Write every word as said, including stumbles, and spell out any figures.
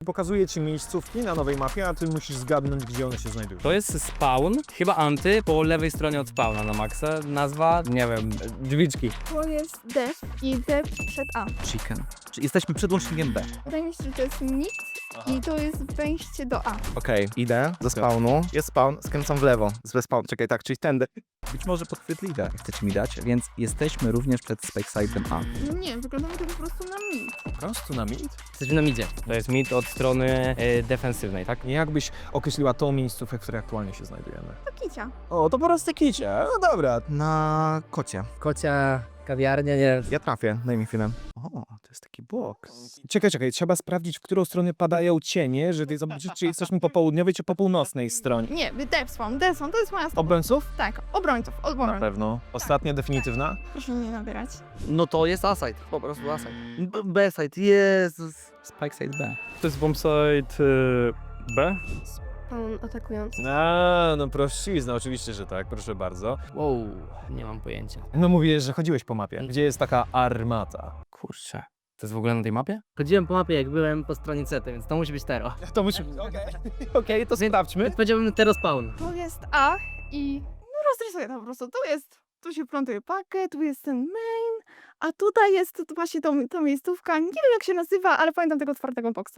pokazuje ci miejscówki na nowej mapie, a ty musisz zgadnąć, gdzie one się znajdują. To jest spawn, chyba anty, po lewej stronie od spawna na maksa. Nazwa, nie wiem, drzwiczki. To jest D i D przed A. Chicken. Czyli jesteśmy przed łącznikiem B. Wydaje mi się, że to jest mit i to jest wejście do A. Okej, idę do spawnu. Jest spawn, skręcam w lewo. Zły spawn, czekaj, tak, czyli tędy. Być może podchwytliwe, jak chcecie mi dać, więc jesteśmy również przed Spaceside'em A. No nie, wygląda mi to po prostu na mit. Po prostu na mid? Jesteśmy na midzie. To jest mid od strony e, defensywnej, tak? Jak byś określiła tą miejscówkę, w której aktualnie się znajdujemy? To kicia. O, to po prostu kicie. No dobra. Na kocie. Kocia, kawiarnia, nie Ja trafię, daj mi chwilę. O, to jest taki box. Czekaj, czekaj, trzeba sprawdzić, w którą stronę padają cienie, żeby zobaczyć, czy jesteśmy po południowej, czy po północnej stronie. Nie, D spawn, D spawn, to jest moja strona. Obrońców? Tak, obrońców, Na obrońców. pewno. Ostatnia, definitywna? Proszę nie nabierać. No to jest A-side, po prostu A-side. B- B-side, Jezus. Spikeside B. To jest bombsite y, B? Spawn atakujący. A, no prościzna, oczywiście, że tak, proszę bardzo. Wow, nie mam pojęcia. No mówiłeś, że chodziłeś po mapie. Gdzie jest taka armata? Kurczę. To jest w ogóle na tej mapie? Chodziłem po mapie, jak byłem po stronie C, więc to musi być Tero. To musimy... Okej, okej, to sprawdźmy. Więc powiedziałbym Tero spawn. To jest A i no rozrysuję to po prostu. Tu jest, tu się plątuje pakę, tu jest ten main, a tutaj jest właśnie to, to miejscówka. Nie wiem jak się nazywa, ale pamiętam tego otwartego boksa.